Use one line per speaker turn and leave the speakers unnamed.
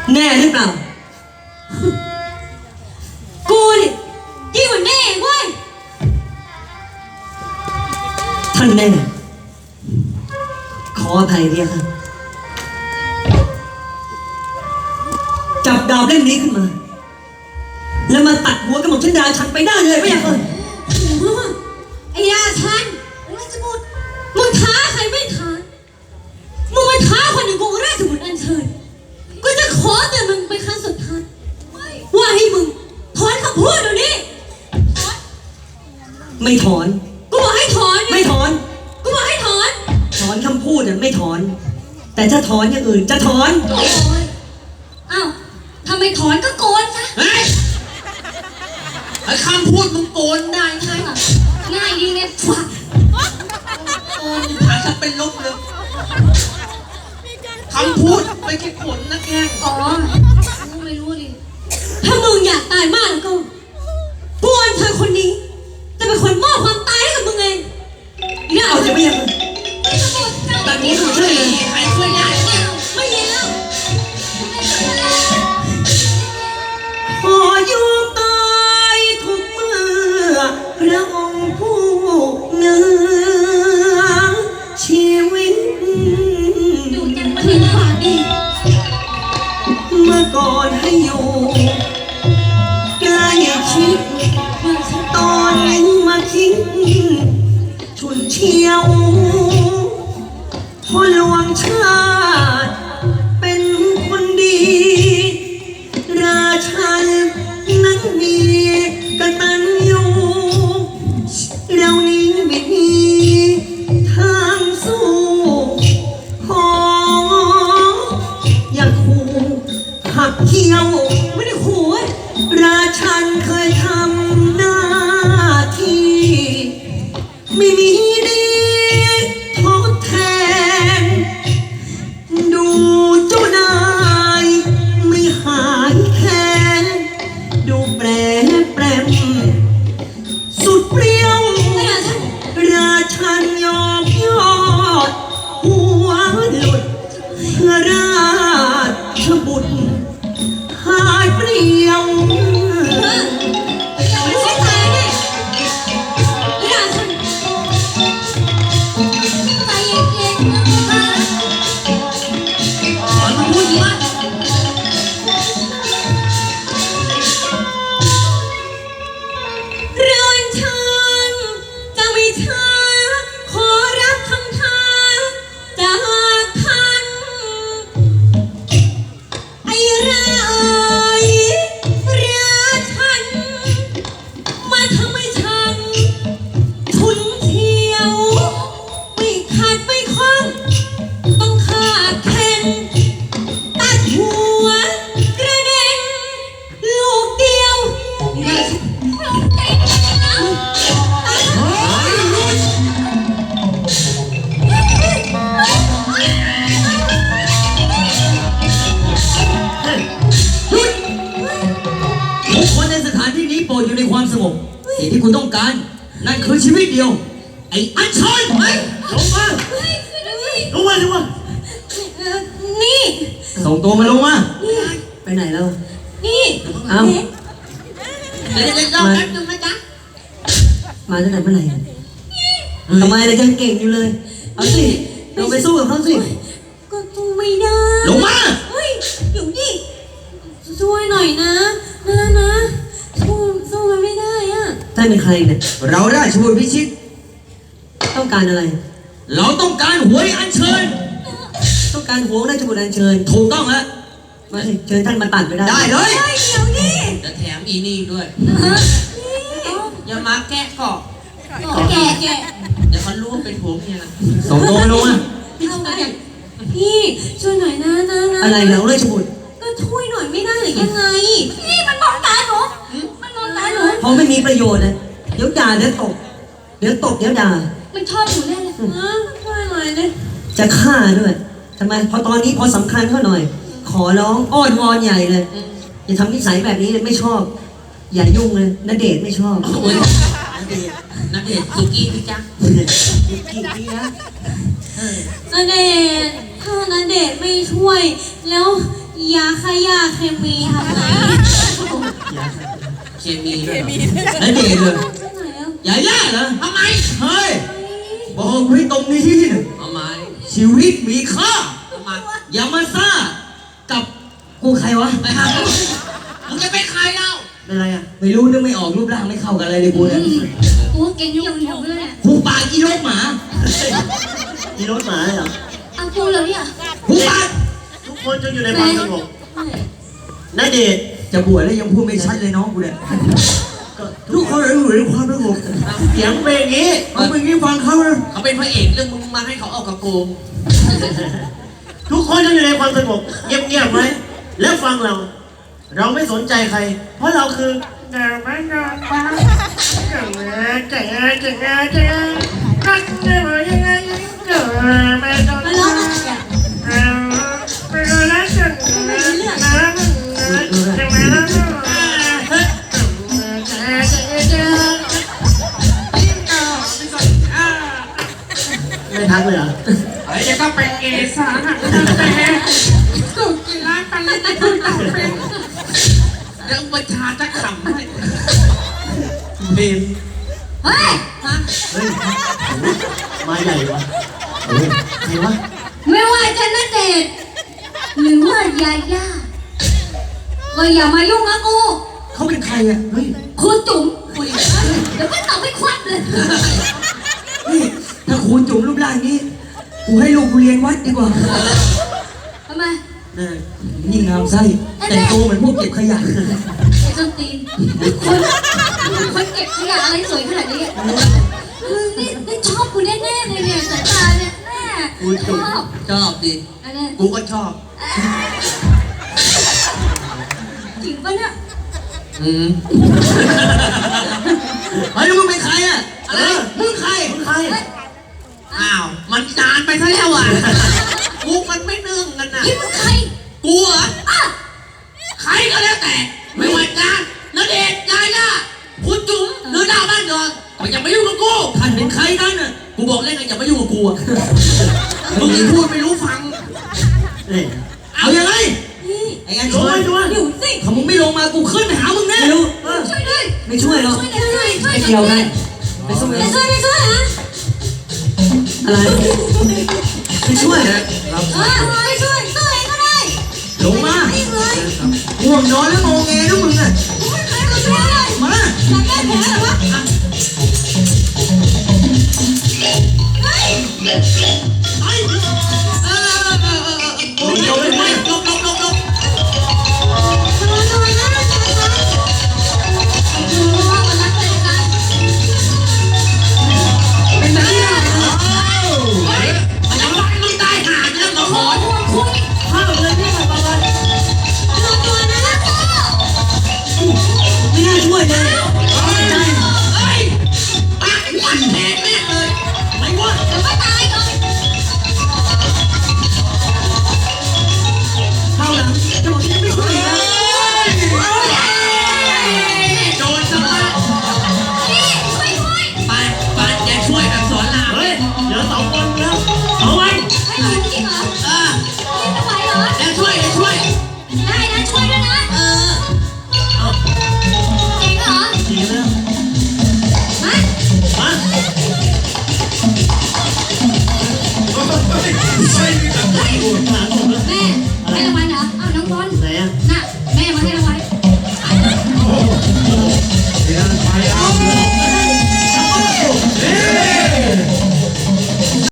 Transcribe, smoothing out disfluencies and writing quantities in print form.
แน่หรือเปล่า
กูนี่ยิ่งกว่าแน่เว้ย
ท่านแน่ขออภัยเรียค่ะจับดาบเล่มนี้ขึ้นมาแล้วมาตัดหัวกระหม่อมชันดาฉันไปได้เลยไม่อยากเลย
ไอ้ยาชันราชบุตรมึงท้าใครไม่ท้ามึงมาท้าคนอย่างกูราชบุตรอัญเชิญกูจะขอแต่มึงเป็นครั้งสุดท้ายว่าให้มึงถอนคำพูดเดี๋ยวนี้
ไม่ถอน
กูบอกให้ถอน
ไม่ถอน
กูบอกให้ถอน
ถอนคำพูดเนี่ยไม่ถอนแต่ถ้าถอนอย่างอื่นจะถอน
อ้าวทำไมถอนก็โกนซะ
ไอ้คำพูดมึงโกนได้ไง
ง่ายดีไงฝัก
โกนหาจะเป็นลบเลยคำพูดไม่ใช่ขนนะแก
อ๋อไม่รู้ดิถ้ามึงอยากตายมากแล้วก็ปวนเธอคนนี้จะเป็นคนมอบความตายให้กับมึงเอง
เนี่ยเอาจะไม่ยัง
แต่นี้หนูช่วยใครช่วยได้
ไม่เย็นแล้ว
ขอยอมตายทุกเมื่อพระองค์ผู้เหนือชีวิต
อยู่จังมาถึงป่านนี้
เมื่อก่อนให้อยู่ใกล้ชิดตอนนี้มาทิ้งฉุนเฉียวพอหลวงชาติเป็นคนดีราชันนั้นมีกตัญญูเรานี้ไม่มีทางสู้ขออย่าขู่หักเขี้ยว
ไม่ได้ขู่
ราชันเคยทำหน้าที่ไม่มีดีทดแทนดูเจ้านายไม่หายแค้นดูแปรแปรมสุดเปรี้ยวราชันยอมยอดหัวหลุดเพื่อราชบุตรหายเปรี้ยว
ไม่ใช่ตายเนี่ยราชันใจเย็นๆนะคะ
มันพูดดีมาก
ร้อนชันจะไม่ช้าขอรับคำท้าจากท่านไอ้ราชันมาทำให้ฉันฉุนเฉียวไม่ขาดไม่คล้องต้องฆ่าแข่งตัดหัวกระเด็นลูกเดียว
ทุกคนในสถานที่นี้โปรดอยู่ในความสงบสิ่งที่คุณต้องการนั่นคือชีวิตเดียวไอ้อัญชันลงมาลงมาลงมา
นี่
ส่งตัวมาลงมา
ไปไหนแล้ว
นี่
เอ้า
เดี๋ยวรอแป๊บนึงนะจ๊ะ
มาตั้งแต่เมื่อไหร่ทำไมเลยยังเก่งอยู่เลยเอาสิเราไปสู้กับเขาสิ
ก็สู้ไม่ได้
ลงมา
เฮ้ยอยู่นี่ช่วยหน่อยนะสู้มันไม่ได้อะ
ท่านเป็นใครเนี่ย
เราได้ช่วยพิชิต
ต้องการอะไร
เราต้องการหวยอัญเชิญ
ต้องการหัวราชบุตรอัญเชิญ
ถูกต้องแล้ว
มาสิเชิญท่านมาตัดไปได้
ได้เลย
เดี๋ยวนี่
จะแถมอีนี่ด้วยอย่ามาแกะกาะ
แกะ
เดี๋ยวเขารู้ว่าเป็นผัวเมียนะ
ส่งตัวมาลงมา
พี่ช่วยหน่อยนะ
อะไรแล้วราชบุตร
ก็ช่วยหน่อยไม่ได้หรือยังไงพี่มันมองตาหนู
เพราะไม่มีประโยชน์นะเดี๋ยวด่าเดี๋ยวตบเดี๋ยวด่า
มันชอบหนูแน่เลยช่วยหน่อยเลย
จะฆ่าด้วยทำไมพอตอนนี้พอสำคัญเขาหน่อยขอร้องอ้อนวอนใหญ่เลยอย่าทำนิสัยแบบนี้เลยไม่ชอบอย่ายุ่งเลยณเดชน์ไม่ชอบ
ณเดชน์สุกี้พี่จ๊ะ
กี่ปีนะ
ณเดชน์ถ้าณเดชน์ไม่ช่วยแล้วยาขยะเคมีทำไง
เคมีด้วยแล้วเด็กเลย
ไหนอ่ะ
อย่าย่าเหรอทำไมเฮ้ยบอกไว้ตรงนี้นะทำไมชีวิตมีค่าทำไมอย่ามาซ่ากับกูใครวะไอ้ห่ามึงจะเป็นใครเล่าเป็นไรอ่ะไม่รู้นึกไม่ออกรูปร่างไม่เข้ากันอะไรเลยกูเนี่ย
ตัวเก่งยังอยู่เลยเนี่ย
หูปากอีโรคหมา
มีรถหมาเหรอ
เอาตัวเลยเนี่ย
หูปาก
ทุกคนจะอยู่ในความสงบนายเดช
จะบวชแล้วยังพูดไม่ชัดเลยน้องกูเนี่ยทุกคนอยู่ในความสงบ
เสียงเป็นอย่างนี้
เอาไปงี้ฟังเขาเลย
เขาเป็นพระเอกเรื่องมึงมาให้เขาออกกับกู
ทุกคนจะอยู่ในความสงบเงียบๆไว้แล้วฟังเรา เราไม่สนใจใคร เพราะเราคือเดินไปเดินมาเก่งเก่งเก่งเก่งรักจะมายังไงเกิดไม่ต้อง
มาร้องอะไรอ่ะ
ไปเลยนะฉันนะจะมาแล้วไม่ทักเลยเหรอ
ไอ้จะต้องเป็นเอสาหักแต่กูกินร้านไปเลยที่พูดต่อเป็นเรื่องประชาจะขำให้
เบน
เฮ้ย
เฮ้ยมาใหญ่วะใครวะ
ไม่ว่าจะณเดชน์หรือว่ายาย่าก็อย่ามายุ่งนะกู
เขาเป็นใครอ่ะเฮ้ย
ครูจุ๋มคุยเดี๋ยวไม่ตอบไม่ควักเลย
นี่ถ้าครูจุ๋มรูปร่างนี้กูให้ลูกกูเรียนวัดดีกว่า
ทำไม
ยิ่งงามไส้แต่งตัวเหมือนพวกเก็บขยะ
ไอ้ส้นตีนคนเก็บขยะอะไรสวยขนาดนี้มึงนี่ชอบกูแน่ๆเลยเนี่ยสายตาเนี่ยแม่ชอบ
ชอบดิ
อันนี้
กูก็ชอบ
จริงปะเนี่ย
เฮ้ยแล้วมึงเป็นใครอ่ะอะไรมึงใครมึงใคร
อ้าว มันนานไปซะแล้วอ่ะกูมันไม่นึ่งกันนะ
ยิ้มมึงใคร
กูเหรอ
อ่ะ
ใครก็แล้วแต่ ไม่ว่าจะณเดชน์ยาย่าคุณจุ๋มหรือดาวบ้านดอนก็อย่ามายุ่งกับกู
ท่านเป็นใครกันอ่ะ
กูบอกเล่นกันอย่ามายุ่งกับกูอ่ะมึงนี่พูดไม่รู้ฟัง
นี่
เอายังไง
นี่
ไอ้งานช่วย
อยู่สิ
ถ้ามึงไม่ลงมากูขึ้นไปหามึงแน่
ช่วยด้วย
ไม่ช่วยหรอก
ช่วยด้วยช่วย
ไม่เกี่ยวกันไปสู้
ไม่
กัน
ช่วยไม่ช่วยฮะ
อะไรไม่ช่วย
ไม่ช่วยตัวเองก็ได้
ลงมา
ไม่เลย
ห่วงนอนแล้วงงเงด้วยมึงอ่ะ
ไม่เคยมาช่วยเลย
มา
อยากแก้แผลเหรอวะเฮ้ย
โอ้ยลบนะลบ
ระวังนะระวังมันรักกันกันเป็นแบบนี้เหรอ
เฮ้ยยังรักมึงตายห่าเรื่องมาขอ
คุย
ข้าวเลยนี่มาประมาณ
ตัวนะนะ
ไม่น่าช่วยเลย
เฮ้ยปากวันแทนแม่เลยไม่ว่า
เดี๋ยวก็ตายก่อน
ข้าวหลังจะบอกที่ไม่ช่วยนะ
โดนซะแล้ว
นี่ช่วยด้วย
ไปอย่าช่วยแบบสอนราม
เฮ้ยเดี๋ยวสองคนแล้วเอาไว้
ให้หนูจริงเหรอ
เออ
นี่จะไหวเหรอ
อย่าช่วย
ได้นะช่วยด้วยนะ
เออ
จริงเหรอ
ดีแล้ว
มา
มา
แม่ให้รางวัลเหรออ้าวน้องบอล
ไหนอ่ะ
น่ะ